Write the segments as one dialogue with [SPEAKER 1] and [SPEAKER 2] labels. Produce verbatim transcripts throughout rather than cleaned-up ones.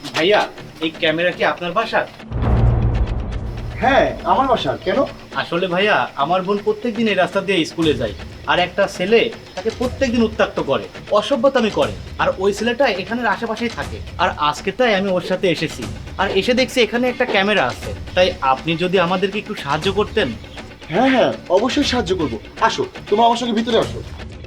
[SPEAKER 1] ভাইয়া, এই ক্যামেরা কি আপনার বাসার?
[SPEAKER 2] হ্যাঁ আমার বাসা। কেন?
[SPEAKER 1] আসলে ভাইয়া, আমার বোন প্রত্যেকদিন এই রাস্তা দিয়ে স্কুলে যায়, আর একটা ছেলে তাকে প্রত্যেকদিন উত্ত্যক্ত করে, অসভ্যতামি করে। আর ওই ছেলেটা এখানের আশেপাশেই থাকে। আর আজকে তাই আমি ওর সাথে এসেছি, আর এসে দেখছি এখানে একটা ক্যামেরা আছে। তাই আপনি যদি আমাদেরকে একটু সাহায্য করতেন।
[SPEAKER 2] হ্যাঁ হ্যাঁ অবশ্যই সাহায্য করব। আসো, তোমরা আমার সঙ্গে ভিতরে আসো।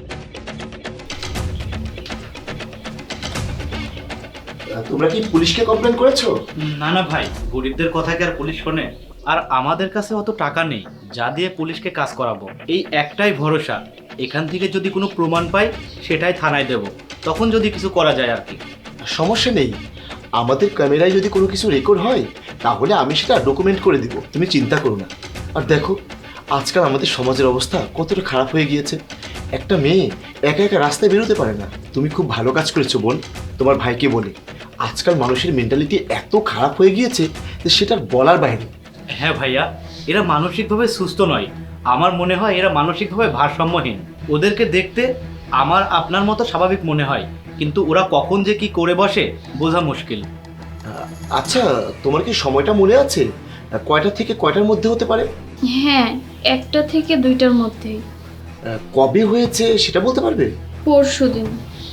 [SPEAKER 2] তোমরা কি পুলিশকে কমপ্লেন করেছো?
[SPEAKER 1] না না ভাই, গরিবদের কথা কি আর পুলিশ শোনে? আর আমাদের কাছে অত টাকা নেই যা দিয়ে পুলিশকে কাজ করাবো। এই একটাই ভরসা, এখান থেকে যদি কোনো প্রমাণ পাই সেটাই থানায় দেব, তখন যদি কিছু করা যায় আর কি।
[SPEAKER 2] সমস্যা নেই, আমাদের ক্যামেরায় যদি কোনো কিছু রেকর্ড হয় তাহলে আমি সেটা ডকুমেন্ট করে দিব, তুমি চিন্তা করো না। আর দেখো, আজকাল আমাদের সমাজের অবস্থা কতটা খারাপ হয়ে গিয়েছে। একটা মেয়ে একা একা রাস্তায় বেরোতে পারে না। তুমি খুব ভালো কাজ করেছো বোন, তোমার ভাইকে বলে। আজকাল মানুষের মেন্টালিটি এত খারাপ হয়ে গিয়েছে যে সেটা বলার বাইরে।
[SPEAKER 1] হ্যাঁ ভাইয়া, এরা মানসিকভাবে সুস্থ নয়। আমার মনে হয় এরা মানসিকভাবে ভারসাম্যহীন। ওদেরকে দেখতে আমার আপনার মতো স্বাভাবিক মনে হয়, কিন্তু ওরা কখন যে কি করে বসে বোঝা মুশকিল।
[SPEAKER 2] আচ্ছা, তোমার কি সময়টা মনে আছে? কয়টা থেকে কয়টার মধ্যে হতে পারে?
[SPEAKER 3] হ্যাঁ, একটা থেকে দুইটার মধ্যেই।
[SPEAKER 2] কবে হয়েছে সেটা বলতে পারবে?
[SPEAKER 3] পরশু দিন।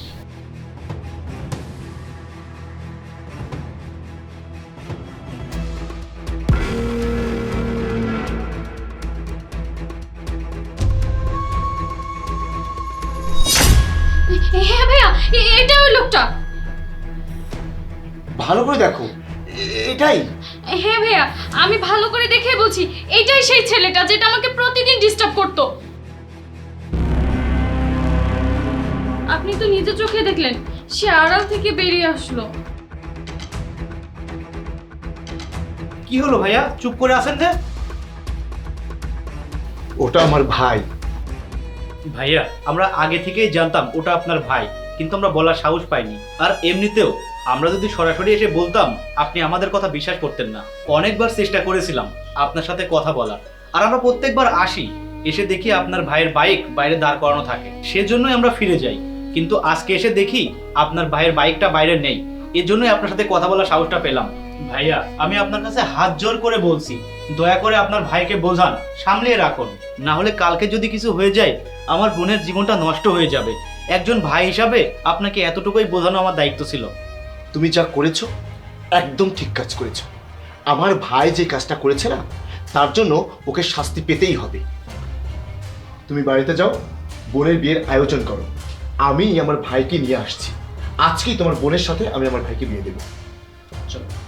[SPEAKER 3] হ্যাঁ ভাইয়া, এ- এটা ওই লোকটা।
[SPEAKER 2] ভালো করে দেখো, এ- এটাই।
[SPEAKER 3] হ্যাঁ ভাইয়া, আমি ভালো করে দেখে বলছি, এটাই সেই ছেলেটা যেটা আমাকে প্রতিদিন ডিস্টার্ব করতো। আপনি তো নিজে চোখে দেখলেন, সে আড়াল থেকে বেরিয়ে আসলো।
[SPEAKER 1] কি হলো ভাইয়া, চুপ করে আছেন যে?
[SPEAKER 2] ওটা আমার ভাই।
[SPEAKER 1] ভাইয়া, আমরা আগে থেকেই জানতাম ওটা আপনার ভাই, কিন্তু আমরা বলার সাহস পাইনি। আর এমনিতেও আমরা যদি সরাসরি এসে বলতাম, আপনি আমাদের কথা বিশ্বাস করতেন না। অনেকবার চেষ্টা করেছিলাম আপনার সাথে কথা বলার, আর আমরা প্রত্যেকবার আসি, এসে দেখি আপনার ভাইয়ের বাইক বাইরে দাঁড় করানো থাকে, সেজন্যই আমরা ফিরে যাই। কিন্তু আজকে এসে দেখি আপনার ভাইয়ের বাইকটা বাইরে নেই, এজন্যই আপনার সাথে কথা বলার সাহসটা পেলাম। ভাইয়া, আমি আপনার কাছে হাত জোর করে বলছি, দয়া করে আপনার ভাইকে বোঝান, সামলিয়ে রাখুন। না হলে কালকে যদি কিছু হয়ে যায়, আমার বোনের জীবনটা নষ্ট হয়ে যাবে। একজন ভাই হিসাবে আপনাকে এতটুকুই বোঝানো আমার দায়িত্ব ছিল।
[SPEAKER 2] তুমি যা করেছো একদম ঠিক কাজ করেছো। আমার ভাই যে কাজটা করেছে না, তার জন্য ওকে শাস্তি পেতেই হবে। তুমি বাড়িতে যাও, বোনের বিয়ের আয়োজন করো। আমি আমার ভাইকে নিয়ে আসছি। আজকেই তোমার বোনের সাথে আমি আমার ভাইকে বিয়ে দেবো। চলো।